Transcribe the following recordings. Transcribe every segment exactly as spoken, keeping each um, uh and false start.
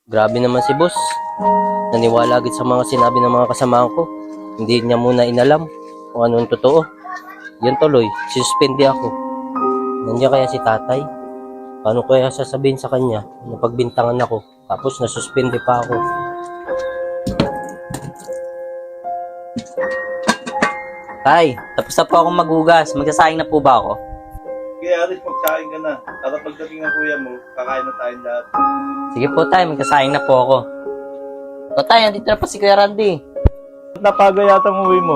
Grabe naman si boss. Naniwala agad sa mga sinabi ng mga kasamahan ko. Hindi niya muna inalam kung anong totoo. Yan tuloy, suspende ako. Nandiyan kaya si tatay? Paano kaya sasabihin sa kanya na pagbintangan ako tapos nasuspende pa ako? Tay, tapos na po akong maghugas. Magsasayang na po ba ako? Kaya Aris, magsaing ka na. Para pagdating ng kuya mo, kakain na tayong lahat. Sige po tay, magsasayang na po ako. O tay, andito na po si Kuya Randy. Napaga yata ang uwi mo.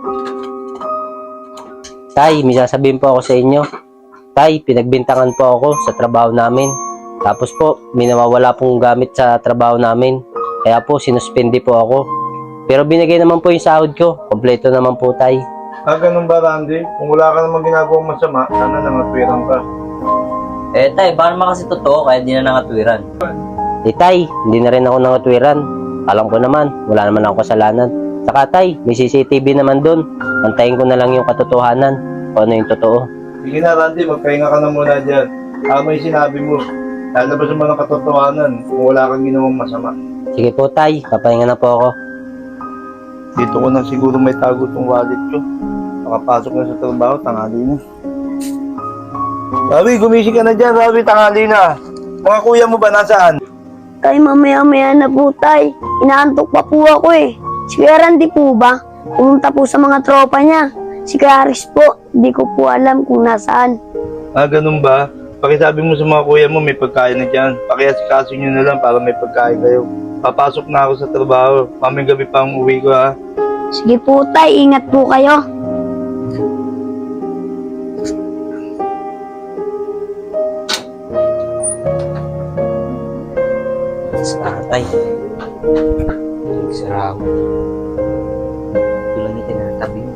Tay, may sasabihin po ako sa inyo. Tay, pinagbintangan po ako sa trabaho namin. Tapos po, may nawawala pong gamit sa trabaho namin. Kaya po, sinuspende po ako. Pero binigay naman po yung sahod ko. Kompleto naman po, tay. Ah, ganun ba, Randy? Kung wala ka namang ginagawang masama, sana nangatwiran ka. Eh tay, baka naman kasi totoo kaya di na nangatwiran. Eh, tay, hindi na rin ako nangatwiran. Alam ko naman, wala naman ako kasalanan. Saka tay, may C C T V naman dun. Antayin ko na lang yung katotohanan. Kung ano yung totoo. Sige na, Randy, magpahinga ka na muna dyan. Tama yung sinabi mo. Lalabas mo ng katotohanan kung wala kang ginawang masama. Sige po, tay. Papahinga na po ako. Dito ko na siguro may tago tong wallet ko. Makapasok na sa trabaho, tanghali na. Rabi, gumising ka na dyan, Rabi, tanghali na. Mga kuya mo ba, nasaan? Tay, mamaya-maya na po, tay. Inaantok pa po ako eh. Si Kuya Randy po ba? Pumunta po sa mga tropa niya. Si Kuya Aris po, hindi ko po alam kung nasaan. Ah, ganun ba? Pakisabi mo sa mga kuya mo, may pagkain na dyan. Pakiasikaso nyo na lang para may pagkain kayo. Papasok na ako sa trabaho. Mamayang gabi pa ang uwi ko, ha? Sige po, tay. Ingat po kayo. Sa tatay. Sarap. Tulang yung tinatabi mo.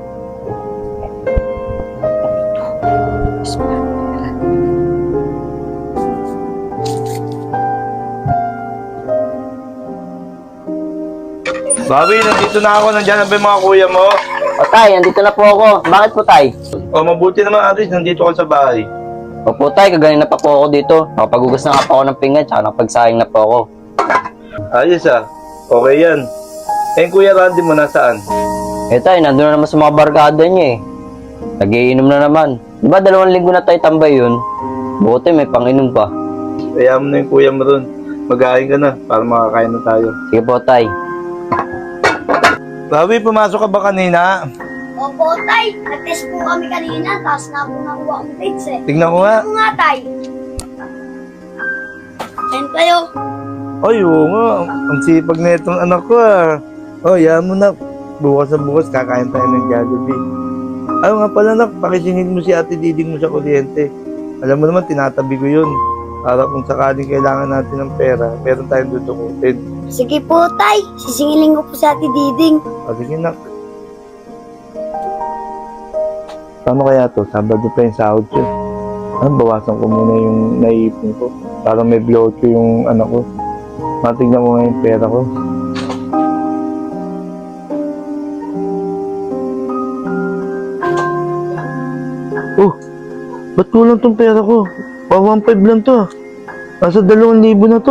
Bobby, nandito na ako. Nandiyan na ba yung mga kuya mo? O tay, andito na po ako. Bakit po tay? O, mabuti naman, Aris. Nandito ka sa bahay. O po tay, kagaling na pa po ako dito. Nakapaghugas na nga po ako ng pinggan, tsaka nakapagsayang na po ako. Ayos, ah. Okay yan. Eh, kuya Randy mo, nasaan? Eh tay, nandun na naman sa mga barkada niya eh. Nagiinom na naman. Di ba dalawang linggo na tayo tambay yun? Buti may panginom pa. Kaya mo na yung kuya mo ron. Mag-aayos ka na para makakain na tayo. Sige po tay. Bobby, pumasok ka ba kanina? Opo, tay. Nag-test po kami kanina, tapos na po nakuha ang grades eh. Tignan ko nga. Ano nga, tay? Ayun kayo. Ay, oo nga. Ang sipag na itong anak ko, ah. Oh, yan mo na. Bukas na bukas, kakain tayo ng Jollibee. Ayaw nga pala, nak. Pakisingin mo si Ate Diding mo sa kuryente. Alam mo naman, tinatabi ko yun. Para kung sakaling kailangan natin ng pera, meron tayong dudukutin. Sige po, tay. Sisingilin ko po sa Ate Diding. O, sige, nak. Paano kaya to? Sabado pa yung sahod ko. Ah, bawasan ko muna yung naiipon ko. Para may blow ko yung anak ko. Matignan mo nga yung pera ko. Oh, ba't kulang tong pera ko? Pa one five lang to. Nasa dalawang libo na to.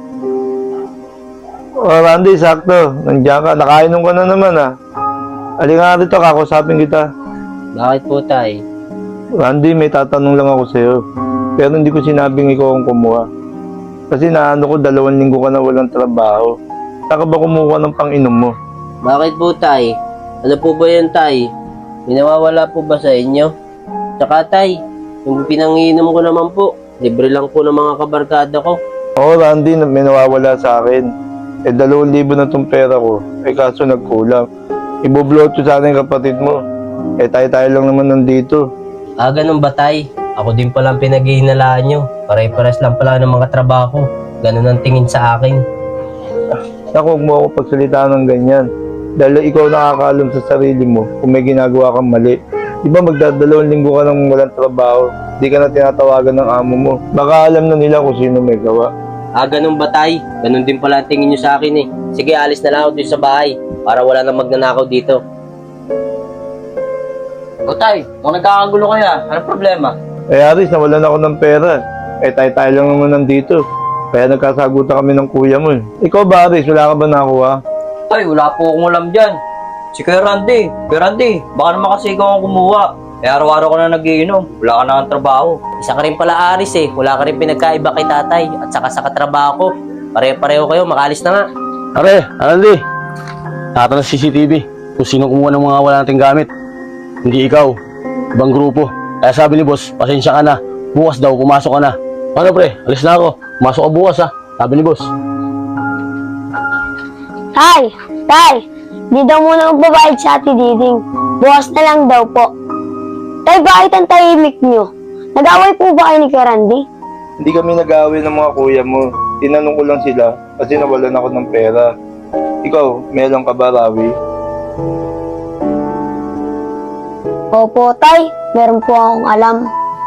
Oh, Randy, sakto. Nandiyan ka. Nakainom ka na naman, ah. Halika nga dito, kakusapin kita. Bakit po, tay? Randy, may tatanong lang ako sa'yo. Pero hindi ko sinabing ikaw ang kumuha. Kasi naano ko, dalawang linggo ka na walang trabaho. Saan ka ba kumuha ng pang-inom mo? Bakit po, tay? Ano po ba yan, tay? May nawawala po ba sa inyo? Tsaka, tay, yung pinangiinom ko naman po, libre lang po ng mga kabarkada ko. Oo, Randy, may nawawala sa akin. Eh, dalawang libo na tong pera ko. Eh, kaso nagkulang. Iboblot ko sana yung kapatid mo. Eh, tayo-tayo lang naman nandito. Ah, ganun ba, tay? Ako din pala ang pinag-iinalaan nyo. Pare-pares lang pala ng mga trabaho. Ganun ang tingin sa akin. Naku, huwag mo ako pagsalita ng ganyan. Dahil ikaw nakakaalam sa sarili mo kung may ginagawa kang mali. Di ba magdadalawang linggo ka nang walang trabaho? Di ka na tinatawagan ng amo mo. Baka alam na nila kung sino may gawa. Ah, ganun ba, tay? Ganun din pala ang tingin nyo sa akin eh. Sige, alis na lang ako dito sa bahay para wala nang magnanakaw dito. O tay, kung nagkakagulo kaya, anong problema? Eh, Aris, nawalan ako ng pera. Eh, tayo-tayo lang naman nandito. Kaya nagkasagutan kami ng kuya mo eh. Ikaw ba, Aris? Wala ka ba nakuha? Tay, wala po akong alam dyan. Si Kuya Randy. Kuya Randy, baka naman kasi ikaw ang kumuha. Eh, araw-araw ka na nagiinom. Wala ka na ang trabaho. Isa ka rin pala Aris eh. Wala ka rin pinagkaiba kay tatay at saka sa katrabaho ko. Pare-pareho kayo, makalis na nga. Are, Andy, nakita ng C C T V kung sino kumuha ng mga wala nating gamit. Hindi ikaw, ibang grupo. Kaya sabi ni boss, pasensya ka na. Bukas daw, pumasok ka na. Ano pre, alis na ako. Pumasok ka bukas ha, sabi ni boss. Tay, tay, di daw muna magbabayad sa Ate Diding. Bukas na lang daw po. Tay, bakit ang tahimik nyo? Nag-away po ba kayo ni Kuya Randy? Hindi kami nag-aaway ng mga kuya mo. Tinanong ko lang sila kasi nawalan ako ng pera. Ikaw, meron ka ba, Rawi? Opo, tay, meron po akong alam.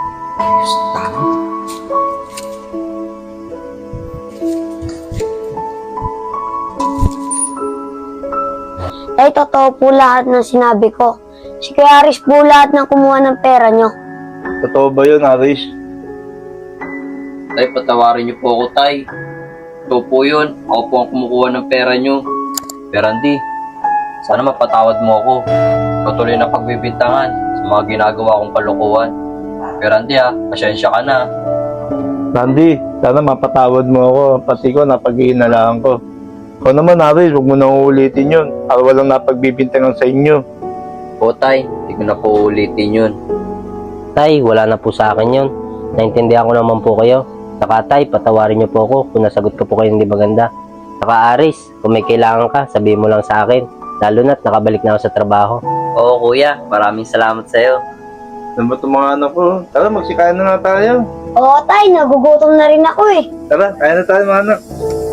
Tay, totoo po lahat ng sinabi ko. Si Kuya Aris po lahat ng kumuha ng pera nyo. Totoo ba yun, Aris? Tay, patawarin niyo po ako, Tay. Ito po yun. Ako po ang kumukuha ng pera niyo. Kuya Randy, sana mapatawad mo ako. Patuloy na pagbibintangan sa mga ginagawa kong kalukuhan. Kuya Randy ha, pasensya ka na. Randy, sana mapatawad mo ako. Pati ko, napag-iinalaan ko. Ikaw naman, Aris, huwag mo na uulitin yun. Para walang napagbibintangan sa inyo. Po, Tay, hindi ko na po ulitin yun. Tay, wala na po sa akin yun. Naintindihan ko naman po kayo. Saka tay, patawarin niyo po ako kung nasagot ko po kayo hindi maganda. Saka Aris, kung may kailangan ka, sabihin mo lang sa akin. Lalo na't nakabalik na ako sa trabaho. Oo, kuya. Maraming salamat sa'yo. Alam mo itong mga anak ko? Tara, magsikain na nga tayo. Oo, tay, nagugutom na rin ako eh. Tara, kaya na tayo mga anak.